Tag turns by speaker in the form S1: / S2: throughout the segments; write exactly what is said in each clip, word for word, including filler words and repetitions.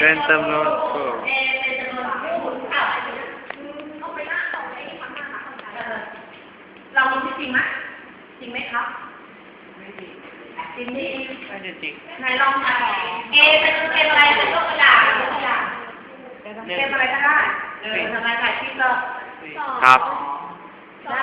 S1: เป็นจำนวนคู่
S2: เอเป็นจำนวนคู่เท่าเรามีจริงไหมจริงไหมครับจริงดิไม่จริงไหนลองมาเอเป็นเป็นอะไรเป็นตัวกระดาษเป็นตัวอย่างเป็นอะไรก็ได้เออทำไมถ่ายคลิปก็
S1: ครับ
S2: ได้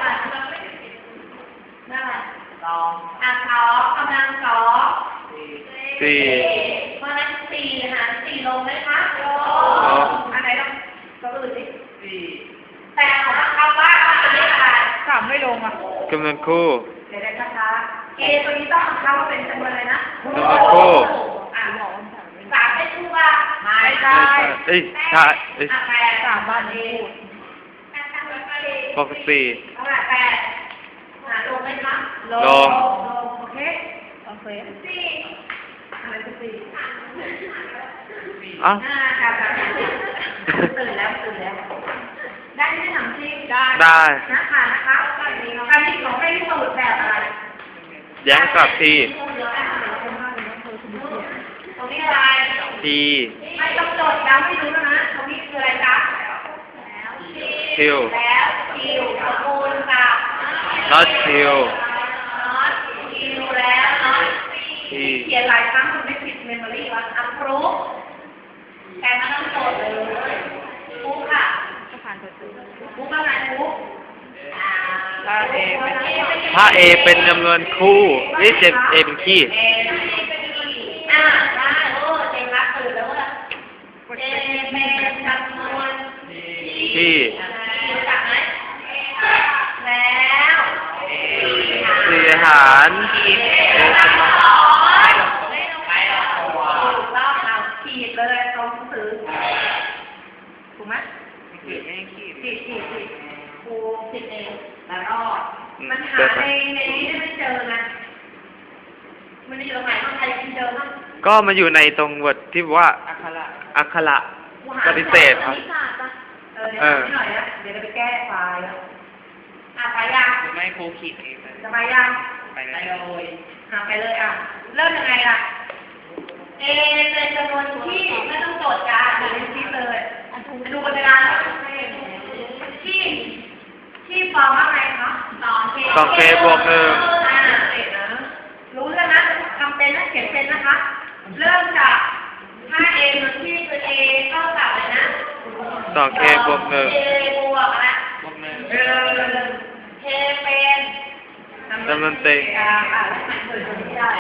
S2: ได้สองอ่ะสองกำลังสอง
S1: สี่
S2: เพราะนั้นสี่หารสี่ลงไหมคะลงอันไหนลงตัวอื่นสิสี่แต่คำว่าตัวนี้อะไรสามไม่ลงอ่ะ
S1: จำนวนคู่
S2: เดี๋ยวได้ช้าๆเอตัวนี้ต้องเข้าเป็นจำนวนอะไรนะ
S1: จำนวนคู่
S2: อ่ะสามไม่ถูกอ่ะไม่ได้
S1: เอ้ยใช่เอ้ย
S2: แปดสามบ้านเอ
S1: ปกติ
S2: เอาละแปดหาลงไหมคะ
S1: ลง
S2: โอเคโอเคสี่อะไรคือสี่
S1: อ่ะ
S2: อ่าค่ะตื่นแล้วตื่นแล้วได้ไหมถามจริงได้
S1: ได้
S2: นะคะนะคะการที่ของให้สมุดแบบอะไร
S1: แย้งกับที
S2: ตรงนี้อะไร
S1: ที
S2: ไม่ต้องจดย้ำไม่รู้แล้วนะตรงนี้คืออะไรจ๊ะ
S1: คิว
S2: แล้วคิวสกุลกับ
S1: not คิว
S2: not คิวแล้ว not
S1: ที
S2: เขียนหลายครั้งคุณไม่ผิดเมมโมรี่ว่าอัพรูฟแต่ไม่ต้องจดเลยปุ๊บค่ะปุ๊บอะไรปุ๊บถ้าเอเป็น
S1: ถ้า A เป็นจำนวนคู่นี่เจ็บ A เป็นขี้
S2: อ่าได้โอ้เจ๋งละตื่นแล้วว่าเอเป็นจำนวน
S1: ที่
S2: รู้จักไหมแล้ว
S1: สี่หารเอสมา
S2: ถูกต้องเอาขีดเลยตรงหนังสือถูกไหมขีดไม่ขีดขีดขีดขีดครูขีดเองแล้วรอดมันหาในในนี้ได้ไม่เจอนะมันอยู่ตรงไหนต้องใครเจอบ้าง
S1: ก็มาอยู่ในตรงบทที่ว่าอักขระอักขระปฏิเสธครับ
S2: เออเดี๋ยวหน่อยนะเดี๋ยวจะไปแก้ไฟล์อ่ะไปยัง
S3: หรือไม่ครูขีดเอง
S2: จะไปยัง
S3: ไปเลย
S2: อ่ะไปเลยอ่ะเริ่มยังไงล่ะเอเป็นจำนวนที่ไม่ต้องโจทย์การเรียนที่เลยดูบนกระดานที่ที่ฟอร์มว่าไงคะสองเค
S1: สองเคบวกหนึ่ง
S2: อ่าเด็กนะรู้แล้วนะทำเป็นนะเขียนเป็นนะคะเริ่มจากถ้า A มันที่คือ A เท่ากับอะไรนะ
S1: สองเคบวกหนึ่ง
S2: A บวกอะไร
S3: บวกหนึ่ง
S2: เออ K เป็น
S1: จำนวนเต็ง
S2: อ่าอ่าแล้วมันเกิดตรงนี้ได้